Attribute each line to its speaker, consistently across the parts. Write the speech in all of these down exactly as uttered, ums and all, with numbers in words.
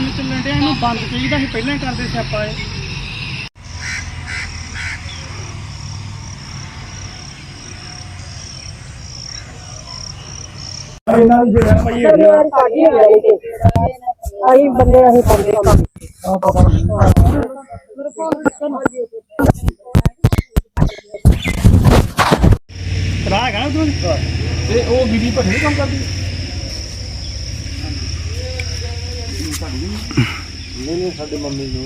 Speaker 1: ਕੰਮ ਚੱਲਣ ਡਿਆ, ਇਹਨੂੰ ਬੰਦ ਚਾਹੀਦਾ ਸੀ, ਪਹਿਲਾਂ ਹੀ ਕਰਦੇ ਸਿਆਪਾ ਇਹ। ਇਹਨਾਂ ਦੀ ਜਿਹੜਾ ਭਾਈ
Speaker 2: ਅਸੀਂ ਬੰਦੇ ਅਸੀਂ ਪਾਉਂਦੇ ਕੰਮ
Speaker 1: ਕਰਾ ਹੈਗਾ ਨਾ ਤੂੰ ਤੇ ਉਹ ਬੀਬੀ ਭੱਠੇ ਨੀ ਕੰਮ ਕਰਦੀ।
Speaker 3: ਨਹੀਂ ਨਹੀਂ ਸਾਡੇ ਮੰਮੀ ਨੂੰ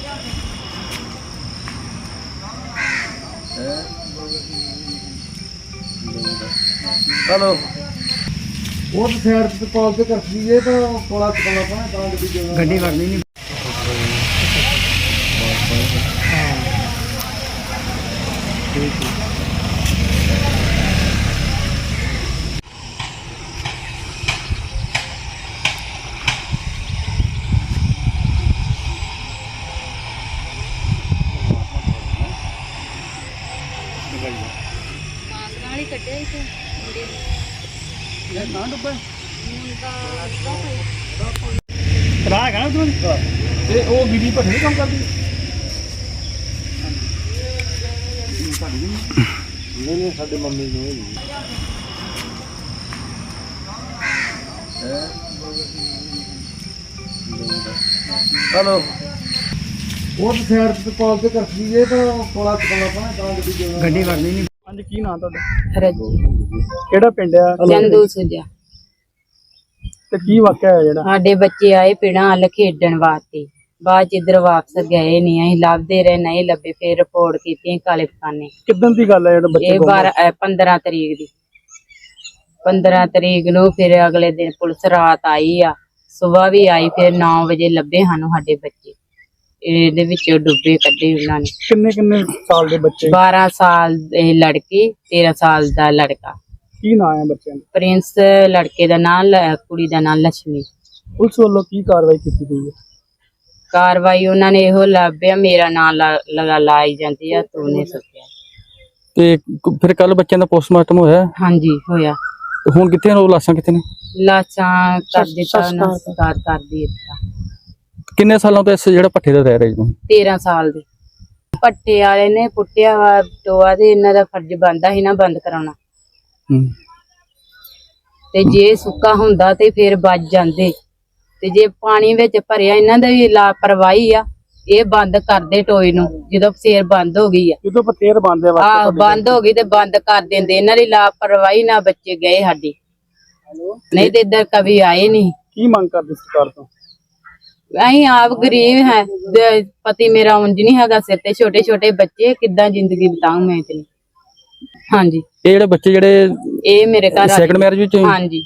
Speaker 3: हेलो वो तो शहर से कॉल पे कर दीजिए तो थोड़ा चुकाना पड़ा कहाँ गड्डी
Speaker 1: गड्डी करनी नहीं ठीक है।
Speaker 4: कटे
Speaker 1: यार ना डब्बा करा हैगा ना तूं ते ओ बीबी भट्ठे नी काम करदी।
Speaker 3: नहीं नहीं साडे मम्मी ਨੂੰ हेलो वो तो शहर से कॉल पे कर दीजिए तो थोड़ा चुकाना पड़ा कहाँ
Speaker 1: गड्डी करनी नहीं। ਹਾਂਜੀ ਕੀ ਨਾਂ ਤੁਹਾਡਾ?
Speaker 2: ਰੱਜੀ
Speaker 1: ਕਿਹੜਾ ਪਿੰਡ ਆ?
Speaker 2: ਚੰਦੂ ਸੁਜਾ।
Speaker 1: ਤੇ ਕੀ ਵਾਕਿਆ ਹੈ ਜਿਹੜਾ?
Speaker 2: ਸਾਡੇ ਬੱਚੇ ਆਏ ਪਿੰਡਾਂ ਵੱਲ ਖੇਡਣ ਵਾਸਤੇ, ਬਾਅਦ ਚ ਇੱਧਰ ਵਾਪਸ ਗਏ ਨਹੀਂ, ਅਸੀਂ ਲੱਭਦੇ ਰਹੇ ਨਹੀਂ ਲੱਭੇ, ਫਿਰ ਰਿਪੋਰਟ ਕੀਤੀ ਕਾਲੇ ਪਖਾਨੇ।
Speaker 1: ਕਿੱਦਣ ਦੀ ਗੱਲ ਹੈ ਜਿਹੜਾ ਬੱਚੇ?
Speaker 2: ਇਹ ਬਾਰਾਂ ਪੰਦਰਾਂ ਤਰੀਕ ਦੀ ਪੰਦਰਾਂ ਤਰੀਕ ਨੂੰ। ਫਿਰ ਅਗਲੇ ਦਿਨ ਪੁਲਿਸ ਰਾਤ ਆਈ ਆ, ਸੁਬਾਹ ਵੀ ਆਈ, ਫਿਰ ਨੌ ਵਜੇ ਲੱਭੇ ਸਾਨੂੰ ਸਾਡੇ ਬੱਚੇ, ਇਹਦੇ ਵਿੱਚ ਡੁੱਬੇ ਕੱਢੇ ਉਹਨਾਂ ਨੇ।
Speaker 1: ਕਿੰਨੇ ਕਿੰਨੇ ਸਾਲ ਦੇ ਬੱਚੇ?
Speaker 2: ਬਾਰਾਂ ਸਾਲ ਦੇ ਲੜਕੀ, ਤੇਰਾਂ ਸਾਲ ਦਾ ਲੜਕਾ।
Speaker 1: ਕੀ ਨਾਂ ਹੈ ਬੱਚਿਆਂ ਦਾ?
Speaker 2: ਪ੍ਰਿੰਸ ਲੜਕੇ ਦਾ ਨਾਮ, ਕੁੜੀ ਦਾ ਨਾਮ ਲక్ష్ਮੀ।
Speaker 1: ਪੁਲਿਸ ਵੱਲੋਂ ਕੀ ਕਾਰਵਾਈ ਕੀਤੀ ਗਈ ਹੈ?
Speaker 2: ਕਾਰਵਾਈ ਉਹਨਾਂ ਨੇ ਇਹੋ ਲੱਭਿਆ, ਮੇਰਾ ਨਾਮ ਲਗਾ ਲਾਈ ਜਾਂਦੀ ਆ, ਤੂੰ ਨੇ ਸਕਿਆ।
Speaker 5: ਤੇ ਫਿਰ ਕੱਲ ਬੱਚਿਆਂ ਦਾ ਪੋਸਟਮਾਰਟਮ ਹੋਇਆ?
Speaker 2: ਹਾਂਜੀ ਹੋਇਆ।
Speaker 5: ਤੇ ਹੁਣ ਕਿੱਥੇ ਨੇ ਉਹ ਲਾਸ਼ਾਂ, ਕਿੱਥੇ ਨੇ?
Speaker 2: ਲਾਸ਼ਾਂ ਕਰ ਦਿੱਤਾ, ਸੰਸਕਾਰ ਕਰ ਦਿੱਤਾ।
Speaker 5: ਕਿੰਨੇ ਸਾਲਾਂ ਤੋਂ ਇਸ ਜਿਹੜਾ ਭੱਠੇ ਤੇ ਰਹਿ ਰਹੇ ਜੀ?
Speaker 2: ਤੇਰਾਂ ਸਾਲ ਦੇ। ਭੱਠੇ ਵਾਲੇ ਨੇ ਪੁੱਟਿਆ ਵਾ ਟੋਆ, ਤੇ ਇਹਨਾਂ ਦਾ ਫਰਜ਼ ਬਣਦਾ ਸੀ ਨਾ ਬੰਦ ਕਰਾਉਣਾ। ਤੇ ਜੇ ਸੁੱਕਾ ਹੁੰਦਾ ਤੇ ਫਿਰ ਬਚ ਜਾਂਦੇ, ਤੇ ਜੇ ਪਾਣੀ ਵਿੱਚ ਭਰਿਆ, ਇਹਨਾਂ ਦਾ ਵੀ ਲਾਪਰਵਾਹੀ ਆ, ਇਹ ਬੰਦ ਕਰਦੇ ਟੋਏ ਨੂੰ। ਜਦੋਂ ਫੇਰ ਬੰਦ ਹੋ ਗਈ ਆ,
Speaker 1: ਜਦੋਂ ਪਤੇਰ ਬੰਦ ਆ
Speaker 2: ਆਹ ਬੰਦ ਹੋ ਗਈ ਤੇ ਬੰਦ ਕਰ ਦਿੰਦੇ। ਇਹਨਾਂ ਦੀ ਲਾਪਰਵਾਹੀ ਨਾਲ ਬੱਚੇ ਗਏ ਸਾਡੇ, ਨਹੀਂ ਤੇ ਇੱਧਰ ਕभी ਆਏ ਨਹੀਂ।
Speaker 1: ਕੀ ਮੰਗ ਕਰਦੇ ਸਰਕਾਰ ਤੋਂ?
Speaker 2: ਅਸੀਂ ਆਪ ਗਰੀਬ ਹੈ, ਪਤੀ ਮੇਰਾ ਉਂਝ ਨਹੀਂ ਹੈਗਾ, ਸਿਰ ਤੇ ਛੋਟੇ ਛੋਟੇ ਬੱਚੇ, ਕਿੱਦਾਂ ਜ਼ਿੰਦਗੀ ਬਿਤਾਉਂ ਮੈਂ ਇਤਨੀ। ਹਾਂਜੀ
Speaker 5: ਇਹ ਜਿਹੜੇ ਬੱਚੇ ਜਿਹੜੇ
Speaker 2: ਇਹ ਮੇਰੇ ਘਰ
Speaker 5: ਸੈਕੰਡ ਮੈਰਿਜ ਵਿੱਚ?
Speaker 2: ਹਾਂਜੀ।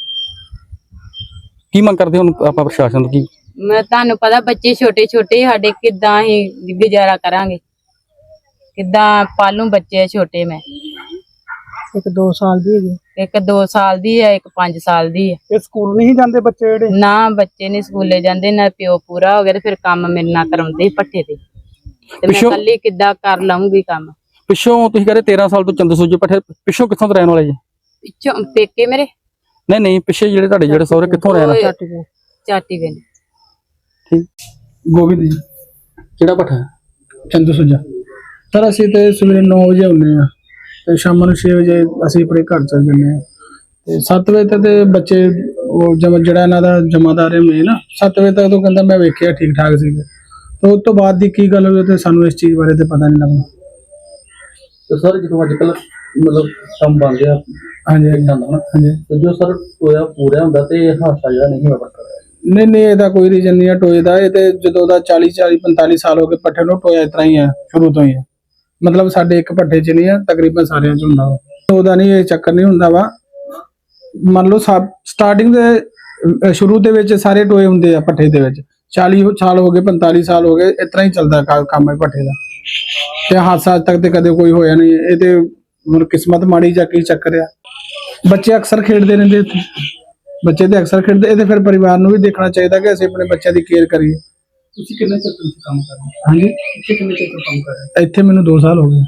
Speaker 5: ਕੀ ਮੰਗ ਕਰਦੇ ਹੁਣ ਆਪਾਂ ਪ੍ਰਸ਼ਾਸਨ ਤੋਂ? ਕੀ
Speaker 2: ਮੈਂ ਤੁਹਾਨੂੰ ਪਤਾ ਬੱਚੇ ਛੋਟੇ ਛੋਟੇ ਸਾਡੇ, ਕਿੱਦਾਂ ਅਸੀਂ ਗੁਜ਼ਾਰਾ ਕਰਾਂਗੇ, ਕਿੱਦਾਂ ਪਾਲੂ ਬੱਚੇ ਛੋਟੇ। ਮੈਂ
Speaker 1: ਇੱਕ ਦੋ ਸਾਲ ਦੀ ਹੈਗੀ,
Speaker 2: ਇੱਕ ਦੋ ਸਾਲ ਦੀ ਹੈ, ਇੱਕ ਪੰਜ ਸਾਲ ਦੀ ਹੈ।
Speaker 1: ਇਹ ਸਕੂਲ ਨਹੀਂ ਜਾਂਦੇ ਬੱਚੇ ਜਿਹੜੇ?
Speaker 2: ਨਾ ਬੱਚੇ ਨਹੀਂ ਸਕੂਲੇ ਜਾਂਦੇ, ਨਾ ਪਿਓ ਪੂਰਾ ਹੋ ਗਿਆ ਤੇ ਫਿਰ ਕੰਮ ਮੇਰੇ ਨਾਲ ਕਰਾਉਂਦੇ ਭੱਠੇ ਤੇ, ਤੇ ਮੈਂ ਇਕੱਲੀ ਕਿੱਦਾਂ ਕਰ ਲਾਉਂਗੀ ਕੰਮ।
Speaker 5: ਪਿੱਛੋਂ ਤੁਸੀਂ ਕਹਿੰਦੇ ਤੇਰਾਂ ਸਾਲ ਤੋਂ ਚੰਦੂ ਸੁਜੇ ਭੱਠੇ, ਪਿੱਛੋਂ ਕਿੱਥੋਂ ਤੋਂ ਰਹਿਣ ਵਾਲੇ ਜੀ?
Speaker 2: ਪਿੱਛੋਂ ਪੇਕੇ ਮੇਰੇ?
Speaker 5: ਨਹੀਂ ਨਹੀਂ ਪਿੱਛੇ ਜਿਹੜੇ ਤੁਹਾਡੇ ਜਿਹੜੇ ਸਹੁਰੇ ਕਿੱਥੋਂ ਰਹਿਣ?
Speaker 2: ਚਾਟੀ ਗਏ।
Speaker 5: ਠੀਕ।
Speaker 1: ਗੋਬਿੰਦ ਜੀ।
Speaker 5: ਕਿਹੜਾ ਭੱਠਾ?
Speaker 1: ਚੰਦੂ ਸੁਜਾ। ਸਰ ਅਸੀਂ ਤੇ ਸਵੇਰੇ ਨੌ ਵਜੇ ਆਉਂਦੇ ਆ ਤੇ ਸ਼ਾਮ ਨੂੰ ਛੇ ਵਜੇ ਅਸੀਂ ਆਪਣੇ ਘਰ ਚਲ ਜਾਂਦੇ ਆ, ਤੇ ਸੱਤ ਵਜੇ ਤੱਕ ਤੇ ਬੱਚੇ ਉਹ ਜਮ ਜਿਹੜਾ ਇਹਨਾਂ ਦਾ ਜਮਾਦਾਰ ਹੈ ਮੈਂ ਨਾ, ਸੱਤ ਵਜੇ ਤੱਕ ਤੋਂ ਕਹਿੰਦਾ ਮੈਂ ਵੇਖਿਆ ਠੀਕ ਠਾਕ ਸੀਗੇ। ਤੇ ਉਸ ਤੋਂ ਬਾਅਦ ਦੀ ਕੀ ਗੱਲ ਹੋਈ ਤੇ ਸਾਨੂੰ ਇਸ ਚੀਜ਼ ਬਾਰੇ ਤੇ ਪਤਾ ਨਹੀਂ ਲੱਗਦਾ।
Speaker 3: तो सर जो अजकल मतलब कम बन गया
Speaker 1: हाँ जी
Speaker 3: ਹਾਂਜੀ ਤੇ ਜੋ ਸਰ ਟੋਇਆ ਪੂਰਾ ਹੁੰਦਾ ਤੇ ਹਾਦਸਾ ਜਿਹੜਾ ਨਹੀਂ ਵਾਪਰਦਾ?
Speaker 1: ਨਹੀਂ ਨਹੀਂ ਇਹਦਾ ਕੋਈ ਰੀਜ਼ਨ ਨਹੀਂ ਹੈ ਟੋਏ ਦਾ। ਇਹ ਤੇ ਜਦੋਂ ਦਾ ਚਾਲੀ ਚਾਲੀ ਪੰਤਾਲੀ ਸਾਲ ਹੋ ਗਏ ਭੱਠੇ ਨੂੰ, ਟੋਇਆ ਇਸ ਤਰ੍ਹਾਂ ਹੀ ਹੈ ਸ਼ੁਰੂ ਤੋਂ ਹੀ ਹੈ। ਮਤਲਬ ਸਾਡੇ ਇੱਕ ਭੱਠੇ 'ਚ ਨਹੀਂ ਹੈ, ਤਕਰੀਬਨ ਸਾਰਿਆਂ 'ਚ ਹੁੰਦਾ ਵਾ। ਉਹਦਾ ਨਹੀਂ ਇਹ ਚੱਕਰ ਨਹੀਂ ਹੁੰਦਾ ਵਾ। ਮੰਨ ਲਓ ਸਟਾਰਟਿੰਗ ਦੇ ਸ਼ੁਰੂ ਦੇ ਵਿੱਚ ਸਾਰੇ ਟੋਏ ਹੁੰਦੇ ਆ ਭੱਠੇ ਦੇ ਵਿੱਚ, ਚਾਲੀ ਸਾਲ ਹੋ ਗਏ ਪੰਤਾਲੀ ਸਾਲ ਹੋ ਗਏ, ਇਸ ਤਰ੍ਹਾਂ ਹੀ ਚੱਲਦਾ ਕੰਮ ਹੈ ਭੱਠੇ ਦਾ। ਤੇ ਹਾਦਸਾ ਅੱਜ ਤੱਕ ਤੇ ਕਦੇ ਕੋਈ ਹੋਇਆ ਨਹੀਂ। ਇਹ ਤੇ ਮਤਲਬ ਕਿਸਮਤ ਮਾੜੀ ਜਾਂ ਕੀ ਚੱਕਰ ਆ। ਬੱਚੇ ਅਕਸਰ ਖੇਡਦੇ ਰਹਿੰਦੇ ਇੱਥੇ, ਬੱਚੇ ਤੇ ਅਕਸਰ ਖੇਡਦੇ। ਇਹਦੇ ਫਿਰ ਪਰਿਵਾਰ ਨੂੰ ਵੀ ਦੇਖਣਾ ਚਾਹੀਦਾ ਕਿ ਅਸੀਂ ਆਪਣੇ ਬੱਚਿਆਂ ਦੀ ਕੇਅਰ ਕਰੀਏ। ਤੁਸੀਂ ਕਿੰਨੇ ਚਿਰ ਤੋਂ ਕੰਮ ਕਰ ਰਹੇ ਹੋ? ਹਾਂਜੀ ਇੱਥੇ ਕਿੰਨੇ ਚਿਰ ਤੋਂ ਕੰਮ ਕਰ ਰਹੇ ਹੋ? ਇੱਥੇ ਮੈਨੂੰ ਦੋ ਸਾਲ ਹੋ ਗਏ।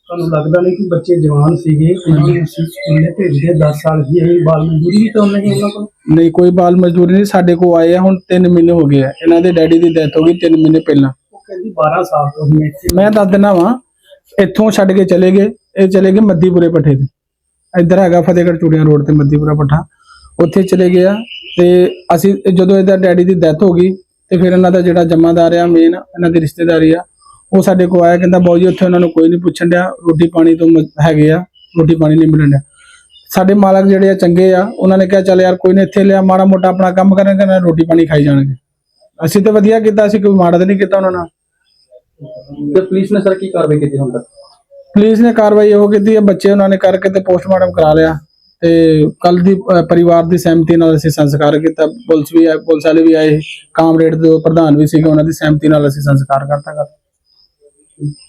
Speaker 1: ਤੁਹਾਨੂੰ ਲੱਗਦਾ ਨਹੀਂ ਕਿ ਬੱਚੇ ਜਵਾਨ ਸੀਗੇ ਉਹਨਾਂ ਨੂੰ ਅਸੀਂ ਸਕੂਲੇ ਭੇਜਦੇ ਦਸ ਸਾਲ ਦੀ ਇਹ ਬਾਲ ਮਜ਼ਦੂਰੀ ਵੀ ਤਾਂ ਉਹਨਾਂ ਨੇ ਉਹਨਾਂ ਕੋਲ ਨਹੀਂ ਕੋਈ ਬਾਲ ਮਜ਼ਦੂਰੀ ਨਹੀਂ ਸਾਡੇ ਕੋਲ ਆਏ ਆ ਹੁਣ ਤਿੰਨ ਮਹੀਨੇ ਹੋ ਗਏ ਆ ਇਹਨਾਂ ਦੇ ਡੈਡੀ ਦੀ ਡੈਥ ਹੋ ਗਈ ਤਿੰਨ ਮਹੀਨੇ ਪਹਿਲਾਂ ਉਹ ਕਹਿੰਦੀ ਬਾਰਾਂ ਸਾਲ ਤੋਂ ਮੈਂ ਇੱਥੇ ਮੈਂ ਦੱਸ ਦਿੰਦਾ ਵਾਂ ਇੱਥੋਂ ਛੱਡ ਕੇ ਚਲੇ ਗਏ ਇਹ ਚਲੇ ਗਏ ਮੱਦੀਪੁਰੇ ਪੱਠੇ ਤੇ ਇੱਧਰ ਹੈਗਾ ਫਤਿਹਗੜ੍ਹ ਚੂੜੀਆਂ ਰੋਡ ਤੇ ਮੱਦੀਪੁਰਾ ਪੱਠਾ ਉੱਥੇ ਚਲੇ ਗਏ ਆ ਤੇ ਅਸੀਂ ਜਦੋਂ ਇਹਦਾ ਡੈਡੀ ਦੀ ਡੈਥ ਹੋ ਗਈ ਤੇ ਫਿਰ ਇਹਨਾਂ ਦਾ ਜਿਹੜਾ ਜਮਾਦਾਰ ਆ ਮੇਨ ਇਹਨਾਂ ਦੀ ਰਿਸ਼ਤੇਦਾਰੀ ਆ ਉਹ ਸਾਡੇ ਕੋਲ ਆਇਆ ਕਹਿੰਦਾ ਬਾਊ ਜੀ ਉੱਥੇ ਉਹਨਾਂ ਨੂੰ ਕੋਈ ਨਹੀਂ ਪੁੱਛਣ ਡਿਆ ਰੋਟੀ ਪਾਣੀ ਤੋਂ ਮ- ਹੈਗੇ ਆ ਰੋਟੀ ਪਾਣੀ ਨਹੀਂ ਮਿਲਣ ਡਿਆ ਸਾਡੇ ਮਾਲਕ ਜਿਹੜੇ ਆ ਚੰਗੇ ਆ ਉਹਨਾਂ ਨੇ ਕਿਹਾ ਚੱਲ ਯਾਰ ਕੋਈ ਨਹੀਂ ਇੱਥੇ ਲਿਆ ਮਾੜਾ ਮੋਟਾ ਆਪਣਾ ਕੰਮ ਕਰਾਂਗੇ ਨਾ ਰੋਟੀ ਪਾਣੀ ਖਾਈ ਜਾਣਗੇ ਅਸੀਂ ਤਾਂ ਵਧੀਆ ਕੀਤਾ ਅਸੀਂ ਕੋਈ ਮਾੜਾ ਤਾਂ ਨਹੀਂ ਕੀਤਾ ਉਹਨਾਂ ਨਾਲ
Speaker 5: ਤੇ ਪੁਲਿਸ ਨੇ ਸਰ ਕੀ ਕਾਰਵਾਈ ਕੀਤੀ ਹੁਣ ਤੱਕ?
Speaker 1: ਪੁਲਿਸ ਨੇ ਕਾਰਵਾਈ ਉਹ ਕੀਤੀ ਹੈ ਬੱਚੇ ਉਹਨਾਂ ਨੇ ਕਰਕੇ ਤੇ ਪੋਸਟਮਾਰਟਮ ਕਰਾ ਲਿਆ ਤੇ ਕੱਲ ਦੀ ਅਹ, ਪਰਿਵਾਰ ਦੀ ਸਹਿਮਤੀ ਨਾਲ ਅਸੀਂ ਸੰਸਕਾਰ ਕੀਤਾ ਪੁਲਿਸ ਵੀ ਆਏ ਪੁਲਿਸ ਵਾਲੇ ਵੀ ਆਏ ਕਾਮਰੇਡ ਦੇ ਪ੍ਰਧਾਨ ਵੀ ਸੀਗੇ ਉਹਨਾਂ ਦੀ ਸਹਿਮਤੀ ਨਾਲ ਅਸੀਂ ਸੰਸਕਾਰ ਕਰਤਾ ਕਰ